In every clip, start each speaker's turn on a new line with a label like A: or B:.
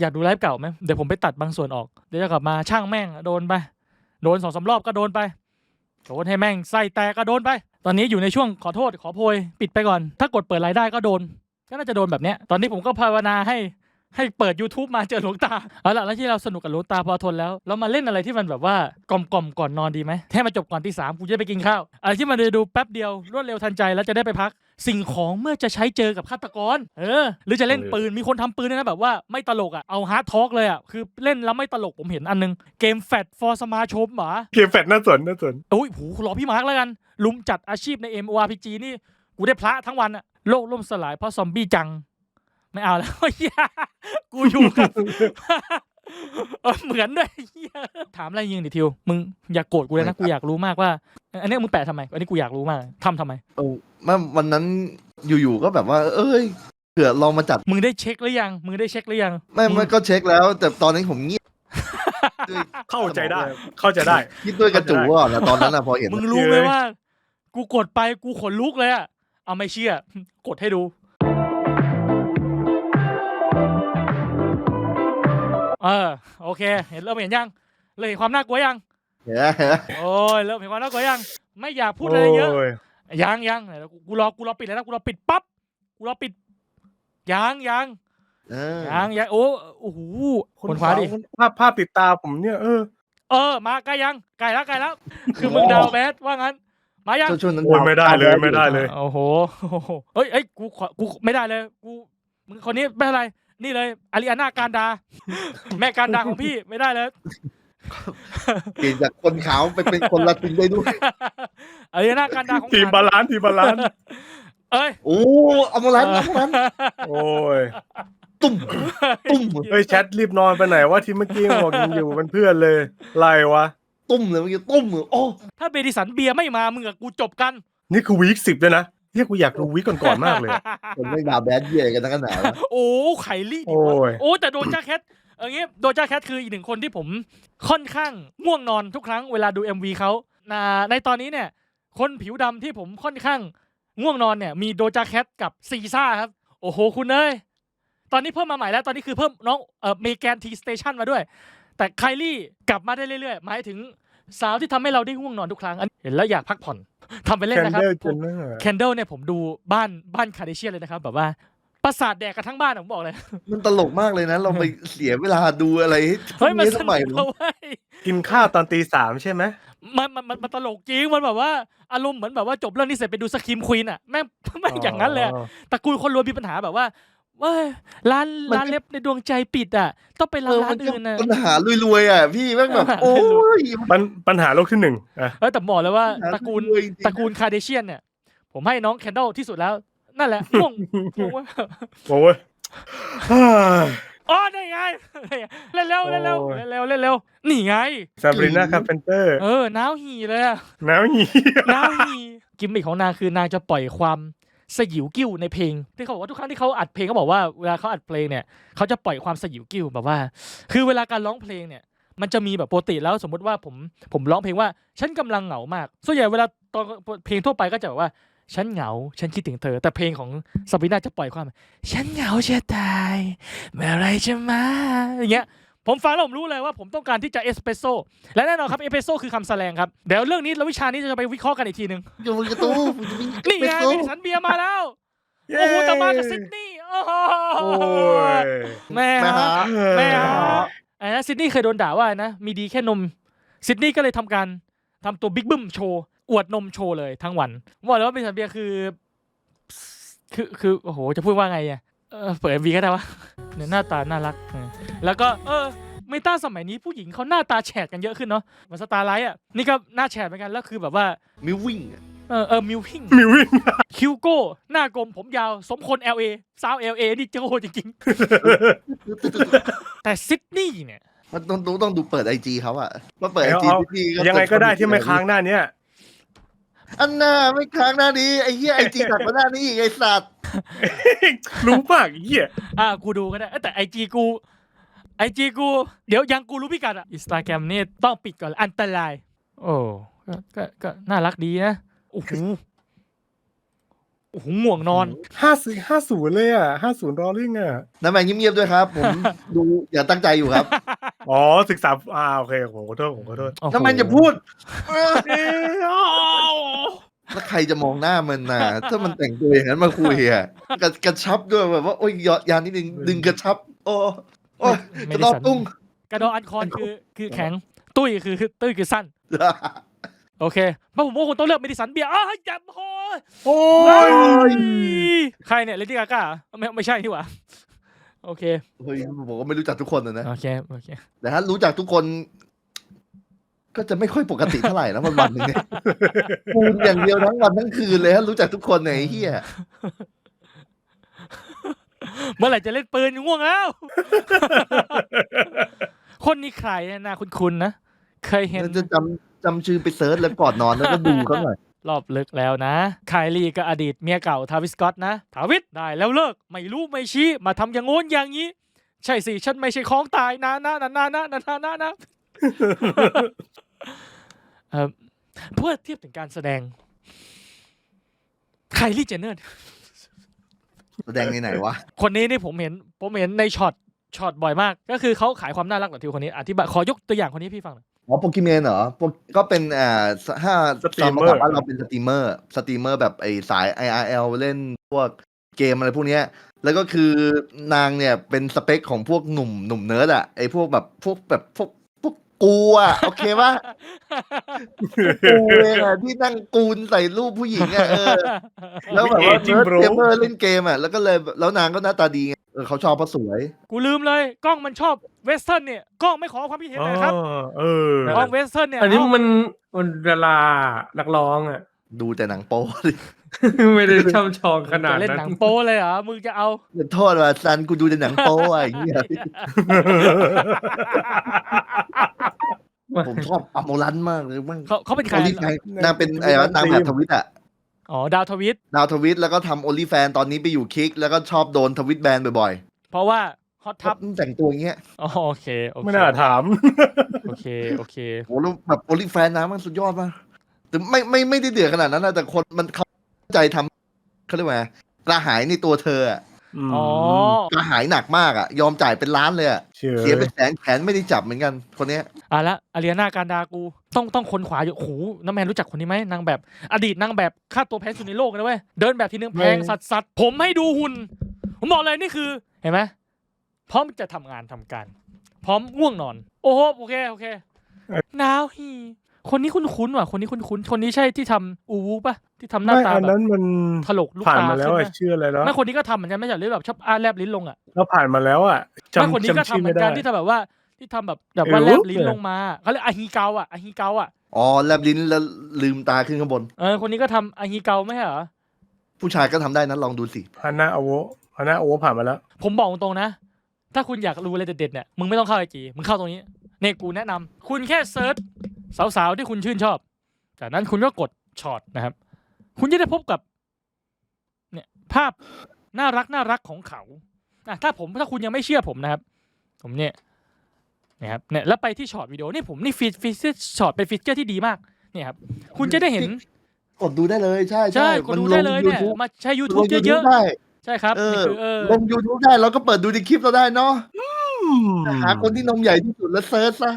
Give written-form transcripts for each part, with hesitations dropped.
A: อยากดูไลฟ์เก่าไหมเดี๋ยวผมไปตัดบางส่วนออกเดี๋ยวจะกลับมาช่างแม่งโดนไปโดน2-3 รอบก็โดนไปโดนให้แม่งไส้แตกก็โดนไปตอนนี้อยู่ในช่วงขอโทษขอโพยปิดไปก่อนถ้ากดเปิดรายได้ก็โดนก็น่าจะโดนแบบเนี้ยตอนนี้ผมก็ภาวนาให้เปิด YouTube มาเจอหลวงตาเอาล่ะแล้วที่เราสนุกกับหลวงตาพอทนแล้วเรามาเล่นอะไรที่มันแบบว่ากล่อมก่อนนอนดีไหมให้มาจบก่อนตี 3กูจะไปกินข้าวอะไรที่มันดูแป๊บเดียวรวดเร็วทันใจแล้วจะได้ไปพักสิ่งของเมื่อจะใช้เจอกับฆาตกรหรือจะเล่นปืนมีคนทำปืนด้วยนะแบบว่าไม่ตลกอ่ะเอาฮาร์ดทอล์กเลยอ่ะคือเล่นแล้วไม่ตลกผมเห็นอันนึงเกมแฟตฟอร์สมาชมหรอ
B: เกมแฟตน่าสน
A: โอ้ยโหรอพี่มาร์กแล้วกันลุมจัดอาชีพใน MMORPG นี่กูได้พระทั้งวันอ่ะโลกล่มสลายเพราะซอมบี้จังไม่เอาแล้วกูอยู่กับเหมือนด้วยถามอะไรยิงดิทิวมึงอย่าโกรธกูเลยนะกูอยากรู้มากว่าอันนี้มึงแปะทำไมอันนี้กูอยากรู้มากทำไม
C: วันนั้นอยู่ๆก็แบบว่าเผื่อลองมาจัด
A: มึงได้เช็คหรือยัง
C: ไม่ก็เช็คแล้วแต่ตอนนี้ผมเงียบ
B: เข้าใจได้
C: คิดด้วยกระจูก่อนนะตอนนั้นนะพอเห็น
A: มึงรู้ไหมว่ากูกดไปกูขนลุกเลยอะเอาไม่เชื่อกดให้ดูโอเคเริ่มเห็นยังเลยความน่ากลัวยัง
C: เห็น
A: โอ้ยเริ่มเห็นความน่ากลัวยังไม่อยากพูดอะไรเยอะยังกูรอปิดเลยนะกูรอปิดปั๊บกูรอปิดยังโอ้โหคนขวาดิ
B: ภาพติดตาผมเนี่ย
A: มาใกล้แล้วคือมึงดาวแบดว่างั้นมายัง
B: ไม่ได้เลย
A: โอ้โหเอ้ยกูไม่ได้เลยกูมึงคนนี้ไม่อะไรนี่เลยอาริอาน่าการดาแม่การดาของพี่ไม่ได้เลย
C: เปลี่ยนจากคนขาวไปเป็นคนละตินได้ด้วย
A: อาริอาน่าการดาของ
B: ทีมบาลานซ์
C: โอ้เอามาลัน
B: โอ้ย
C: ตุ้ม
B: แชทรีบนอนไปไหนว่าที่เมื่อกี้บอกยังอยู่เป็นเพื่อนเลยไรวะ
C: ตุ้มเลยเมื่อกี้ตุ้มโอ้
A: ถ้าเบดิสันเบียร์ไม่มามึงกับกูจบกัน
B: นี่คือวีค 10เลยนะเฮียกูอยากดูวีคก่อนมากเลย
C: คนไม่ด่าแบดเย่กันทั้งขนาด
A: โอ้ไคลี่แต่โดจาแคทอย่างงี้โดจาแคทคืออีกหนึ่งคนที่ผมค่อนข้างง่วงนอนทุกครั้งเวลาดู MV เขาในตอนนี้เนี่ยคนผิวดำที่ผมค่อนข้างง่วงนอนเนี่ยมีโดจาแคทกับซีซ่าครับโอ้โหคุณเอ้ยตอนนี้เพิ่มมาใหม่แล้วตอนนี้คือเพิ่มน้องเมแกนทีสเตชันมาด้วยแต่ไคลี่กลับมาได้เรื่อยๆหมายถึงสาวที่ทำให้เราได้ง่วงนอนทุกครั้งเห็นแล้วอยากพักผ่อนทำไปเล่นนะครับแคนเดิลเนี่ยผมดูบ้านคาร์เดเชียนเลยนะครับแบบว่าประสาทแดกกันทั้งบ้านผมบอกเลย
C: มันตลกมากเลยนะเราไปเสียเวลาดูอะไร
A: มันสนุก
B: กินข้าวตอนตี 3ใช่ไหม
A: มันตลกจริงมันแบบว่าอารมณ์เหมือนแบบว่าจบเรื่องนี้เสร็จไปดูสคิมควีนอ่ะแม่งอย่างนั้นเลยตระกูลคนรวยมีปัญหาแบบว่าร้านเล็บในดวงใจปิดอ่ะต้องไปร้านอื่นนะ
C: ปัญหารวยๆอ่ะพี่แม่งแบบโอ้ย
B: ปัญหาโลกที่1
A: แต่บอกเลยว่าตระกูลคาร์เดเชียนเนี่ยผมให้น้องแคนเดลที่สุดแล้วนั่นแหละง่วง
B: โอ้ย
A: ได้ไงเร็วนี่ไง
B: ซาบรีนาคาร์เพนเตอร์
A: น้าวหีเลยอะ
B: น้าวหี
A: กิมมิคของนางคือนางจะปล่อยความสยิวกิ้วในเพลงที่เขาบอกว่าทุกครั้งที่เขาอัดเพลงเขาบอกว่าเวลาเขาอัดเพลงเนี่ยเขาจะปล่อยความสยิวกิ้วแบบว่าคือเวลาการร้องเพลงเนี่ยมันจะมีแบบปกติแล้วสมมุติว่าผมร้องเพลงว่าฉันกำลังเหงามากส่วนใหญ่เวลาตอนเพลงทั่วไปก็จะแบบว่าฉันเหงาฉันคิดถึงเธอแต่เพลงของซาบีน่าจะปล่อยความฉันเหงาจะตายเมื่อไรจะมาอย่างเงี้ยผมฟังแล้วผมรู้เลยว่าผมต้องการที่จะเอสเปรสโซ่และแน่นอนครับเอสเปรสโซ่คือคำแสดงครับเดี๋ยวเรื่องนี้แล้ววิชานี้จะไปวิเคราะห์กันอีกทีนึง
C: อยู่บนกระตู
A: นี่ไงเบดิสันเบียร์มาแล้วโอ้โหแต่มาจากซิดนีย์แม่ฮะซิดนีย์เคยโดนด่าว่านะมีดีแค่นมซิดนีย์ก็เลยทำตัวบิ๊กบึ้มโชว์อวดนมโชว์เลยทั้งวันบอกเลยว่าเบดิสันเบียร์คือโอ้โหจะพูดว่าไงอ่ะเปิด MV ก็ได้วะเนี่ยหน้าตาน่ารักแล้วก็เมตาสมัยนี้ผู้หญิงเขาหน้าตาแฉดกันเยอะขึ้นเนาะมันสตาร์ไลท์อ่ะนี่ก็หน้าแฉดเหมือนกันแล้วคือแบบว่า
C: มิววิ่ง
A: มิววิ่งคิวโก้หน้ากลมผมยาวสมคน LA สาว LA นี่เจ้าโหจริงๆแต่ซิดนีย์เนี่ย
C: มันต้องดูเปิด IG เขาอ่ะว่าเปิด IG
B: พี่ยังไงก็ได้ที่ไม่ค้างหน้าเนี้ย
C: อันน่าไม่ค้างหน้านี้ไอ้เหี้ย IG ตัดมาหน้านี้ไอ้สัตว์
B: รู้ป่ะไอ้เหี้ย
A: กูดูก็ได้แต่ IG กูเดี๋ยวยังกูรู้พิกัดอ่ะ Instagram นี่ต้องปิดก่อนอันตรายโอ้ก็น่ารักดีนะโอ้โหโอ้โหง่วงนอน
B: 50เลยอ่ะ50รอลิ่งอ่ะ
C: น้ำแมนเงียบๆด้วยครับ ผมดูอย่าตั้งใจอยู่ครับ
B: อ๋อศึกษาโอเคผมขอโทษ
A: โอ้โห
C: น้ำแมนอย่าพูด
B: เอ้ยอ้าว
C: แล้วใครจะมองหน้ามันน่ะ ถ้ามันแต่งตัวอย่างนั้นมาคุยอ่ะกระชับด้วยแบบว่าโอ้ยยานนิดนึงดึงกระชับ โอ้ย
A: ไม่
C: กระ
A: ได้
C: ดอ
A: สั่น
C: ตุ้ง
A: กระดออันคอนคือแข็ง ตุ้ยคือสั้น โอเคเพราะผมว่าคุณต้องเลือกเมดิสันเบียร์จับพอ
B: โอ้ย
A: ใครเนี่ยเลดี้กาก้าไม่ใช่ที่หว่าโอเค
C: เฮ้ยผมก็ไม่รู้จักทุกคนนะ
A: โอเค
C: แต่ถ้ารู้จักทุกคน ก็จะไม่ค่อยปกติเท่าไหร่นะวันหนึ่งเนี่ยคูณอย่างเดียวทั้งวันทั้งคืนเลยถ้ารู้จักทุกคนเนี่ยไอ้เหี้ย
A: เมื่อไหร่จะเล่นปืนง่วงแล้ว คนนี้ใครเนี่ยนะคุณนะ เคยเห็น
C: จะจำชื่อไปเซิร์ชแล้วก่อนนอนแล้วก็ดูเขาหน่อย
A: รอบลึกแล้วนะไคลี่กับอดีตเมียเก่าทาวิสสก็อตนะทาวิสได้แล้วเลิกไม่รู้ไม่ชี้มาทำอย่างโน้นอย่างนี้ ใช่สิฉันไม่ใช่ของตายนะเพื่อเทียบถึงการแสดงไคลี่เจนเนอร์
C: แสดงในไหนวะ
A: คนนี้นี่ผมเห็นในช็อตบ่อยมาก ก็คือเขาขายความน่ารักแบบที่คนนี้อธิบายขอยกตัวอย่างคนนี้พี่ฟังหน่อย
C: อ๋อโปเกมอนเหรอก็เป็นถ้า
B: สตรีมเมอร์
C: ถามว่าเราเป็นสตรีมเมอร์แบบไอสาย IRL เล่นพวกเกมอะไรพวกเนี้ย แล้วก็คือนางเนี่ยเป็นสเปคของพวกหนุ่มเนิร์ดอะไอพวกกูอะโอเคปะกูเองอะที่นั่งกูนใส่รูปผู้หญิงอะแล้วแบบว่าเนิร์ดเกมเมอร์เล่นเกมอะแล้วก็เลยแล้วนางก็หน้าตาดีไงเขาชอบเพราะสวย
A: กูลืมเลยกล้องมันชอบเวสเทิร์นเนี่ยกล้องไม่ขอความคิดเห็นเลยครับ กล้องเวสเทิร์นเนี่ย
D: อันนี้
A: เา
D: มันดารานักร้องอ่ะ
C: ดูแต่หนังโป๊ดิ
D: ไม่ได้ช่ำชองขนาด
A: จะเล่น
D: นั้น
A: หนังโป๊เลยเหรอมึงจะเอา
C: อย่าโทษว่าซันกูดูแต่หนังโป๊อะอย่างเงี้ยผมชอบอโมรันมากเลยมั่ง
A: เขาเป็นใคร
C: โอลิแฟนนางเป็นไอ้นางแบบทวิตอะ
A: อ๋อดาวทวิต
C: ดาวทวิตแล้วก็ทำโอลิแฟนตอนนี้ไปอยู่คิกแล้วก็ชอบโดนทวิตแบนบ่อย
A: เพราะว่าฮอต
C: ๆ
A: ทับ
C: แต่งตัวอย่างเงี้ย
A: อ๋อโอเค
B: ไม่น่าถาม
A: โอเค
C: โหแล้วแบบโอลิแฟนนะมันสุดยอดมากแต่ไม่ได้เดือดขนาดนั้นนะแต่คนมันเข้าใจทำเขาเรียกว่าไงกระหายในตัวเธออะ
A: อ๋อ
C: กระหายหนักมากอะยอมจ่ายเป็นล้านเลยอะ
B: เชื่อ
C: เสียเป็นแสนแขนไม่ได้จับเหมือนกันคนเนี้ย
A: ละอารีนาการดากูต้องคนขวาอยู่โอ้โหน้ำแมนรู้จักคนนี้ไหมนางแบบอดีตนางแบบค่าตัวแพงสุดในโลกนะเว้ยเดินแบบทีนึงแพงสัสผมให้ดูหุ่นผมบอกเลยนี่คือเห็นไหมพร้อมจะทำงานทำการ พร้อมง่วงนอน โอ้โหโอเคนาวฮีคนนี้คุ้นๆว่ะคนนี้คุ้นๆคนนี้ใช่ที่ทำอูวูป่ะที่ทำหน้า
B: ไม่
A: ตา
B: อัน
A: แบบ
B: นั้นมัน
A: ถลกลูก
B: ผ่าน
A: ตา
B: มาแล้ว
A: ขึ้น
B: อะ
A: นะ
B: ชื่ออะไรแล้ว
A: ไม่คนนี้ก็ทำเหมือนกันไม่ใช่หรือแบบชอบแลบลิ้นลงอ่ะ
B: เราผ่านมาแล้วอ่ะ
A: ไม่คนนี้ก็
B: จำ
A: ทำ
B: ชื่อ
A: เหมื
B: ไม่
A: อน
B: ได้
A: กันที่ทำแบบว่าที่ทำแบบว่า
B: เออ
A: แลบลิ้นลงมาเขาเรียกอาฮิเกาอ่ะ
C: อ๋อแลบลิ้นแล้วลืมตาขึ้นข้างบน
A: คนนี้ก็ทำอาฮิเกาไม่ใช่เหรอ
C: ผู้ชายก็ทำได้นะลองดูสิ
B: ฮาน่าโอเวผ่านมาแล้ว
A: ผมบอกตรงๆนะ ถ้าคุณอยากรู้อะไรเด็ดๆเนี่ยมึงไม่ต้องเข้าไอจีมึงเข้าตรงนี้เนี่ยกูแนะนำคุณแค่เซิร์ชสาวๆที่คุณชื่นชอบจากนั้นคุณก็กดช็อตนะครับ คุณจะได้พบกับเนี่ยภาพน่ารักของเขาถ้าคุณยังไม่เชื่อผมนะครับ ผมเนี่ยนะครับเนี่ยแล้วไปที่ช็อตวิดีโอนี่ผมนี่ฟีเจอร์ช็อตเป็นฟีเจอร์ที่ดีมากเนี่ยครับคุณจะได้เห็น
C: กดดูได้เลยใช่
A: ใช่กดดูได้เลยเนี่ย
C: YouTube
A: มาใช้ YouTube เยอะ
C: ได้
A: ๆใช่ครับนี่คือ
C: ลง YouTube ได้เราก็เปิดดูในคลิปเราได้เนาะหาคนที่นมใหญ่ที่สุดแล้วเซิร์ชซะ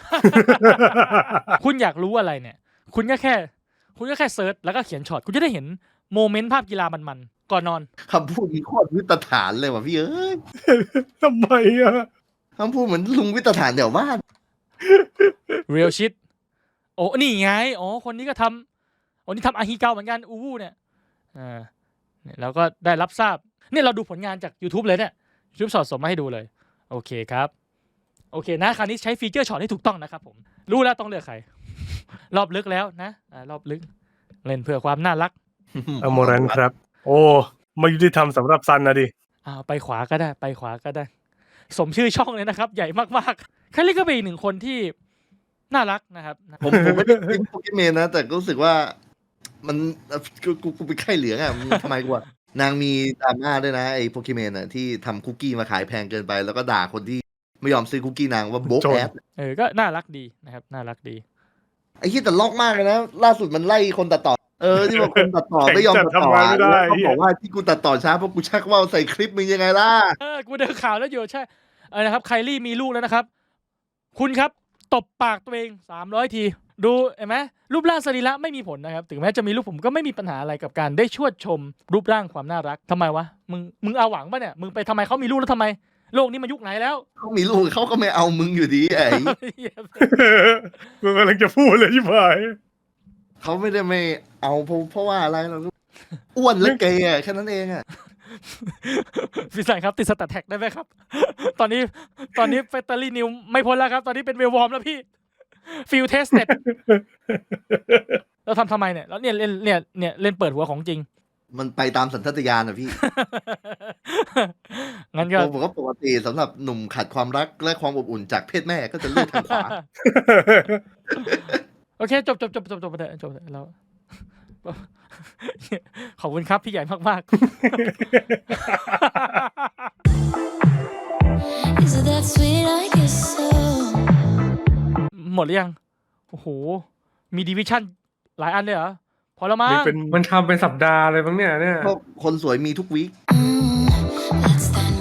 A: คุณอยากรู้อะไรเนี่ย คุณก็แค่เซิร์ชแล้วก็เขียนช็อตคุณจะได้เห็นโมเมนต์ภาพกีฬามันๆก่อนนอน
C: คำพูดมีโคตรวิตฐานเลยว่ะพี่เอ้ย
B: ทำไมอ่ะ
C: คำพูดเหมือนลุงวิตฐานแถวบ้าน
A: real shit โอ้นี่ไงอ๋อคนนี้ก็ทำนี่ทำอาฮิเกาเหมือนกันอูวูเนี่ยเนี่ยเราก็ได้รับทราบเนี่ยเราดูผลงานจาก YouTube เลยเนี่ย YouTube ช็อตส่งมาให้ดูเลยโอเคครับโอเคนะคราวนี้ใช้ฟีเจอร์ช็อตให้ถูกต้องนะครับผมรู้แล้วต้องเลือกใคร รอบลึกแล้วนะรอบลึกเล่นเพื่อความน่ารัก
B: อโมรันครับ โอ้ไม่ยุติธรรมสำหรับซันนะดิ
A: ไปขวาก็ได้สมชื่อช่องเลยนะครับใหญ่มากๆคาริก็เป็นอีกหนึ่งคนที่น่ารักนะครับ
C: ผมไม่ได้กินโปเกมอนนะ แต่รู้สึกว่ามันกูเป็นไข้เหลืองอ่ะมันทำไมกูอ่ะนางมีดราม่าด้วยนะไอ้โปเกมอนอ่ะที่ทำคุกกี้มาขายแพงเกินไป แล้วก็ด่าคนที่ไม่ยอมซื้อคุกกี้นางว่าโบ๊กแอด
A: ก็น่ารักดีนะครับน่ารักดี
C: ไอ้ที่แต่ล็อกมากเลยนะล่าสุดมันไล่คนตัดต่อที่บอกคนตัดต่อไม่ยอมตัดต่อ
B: ทำงานไม่ได้
C: แล้วเขาบอกว่าที่กูตัดต่อช้าเพราะกูชักว่าวใส่คลิปมึงยังไงล่ะ
A: กูเดินข่าวแล้วอยู่ใช่นะครับไคลี่มีลูกแล้วนะครับ คุณครับตบปากตัวเอง300 ทีดูเห็นไหมรูปร่างสรีระไม่มีผลนะครับถึงแม้จะมีลูกผมก็ไม่มีปัญหาอะไรกับการได้ชวดชมรูปร่างความน่ารักทำไมวะมึงเอาหวังป่ะเนี่ยมึงไปทำไมเขามีลูกแล้วทำไมโลกนี้มันยุคไหนแล้ว
C: เขามีลูกเขาก็ไม่เอามึงอยู่ดีไอ้
B: กูกำลังจะพูดเลยที่ผ่าน
C: เขาไม่ได้ไม่เอาเพราะว่าอะไรเราอ้วนและเกย์อะแค่นั้นเองอะ
A: พี่สันครับติดสแตทแท็กได้ไหมครับ ตอนนี้เฟตเตอรี่นิวไม่พ้นแล้วครับ ตอนนี้เป็นเวลวอร์มแล้วพี่ฟิลเทสเต็ดเราทำไมเนี่ยแล้วเนี่ยเล่นเปิดหัวของจริง
C: มันไปตามสัญชาตญาณอะพี่
A: งั้นก็
C: ผมก็ปกติสำหรับหนุ่มขาดความรักและความอบอุ่นจากเพศแม่ก็จะเลือกทางขวา
A: โอเคจบไปเถอะจบเถอะเรา ขอบคุณครับพี่ใหญ่มาก
E: Is it that sweet? I guess so.
A: ๆ หมดหรือยังโอ้โหมีดิวิชั่นหลายอันเลยเหรอพอแล้วมั้
B: นี่
A: ง
B: เป็น
D: มันทำเป็นสัปดาห์เลยมั้งเนี่ย
C: เพราะคนสวยมีทุกวีค
E: That's that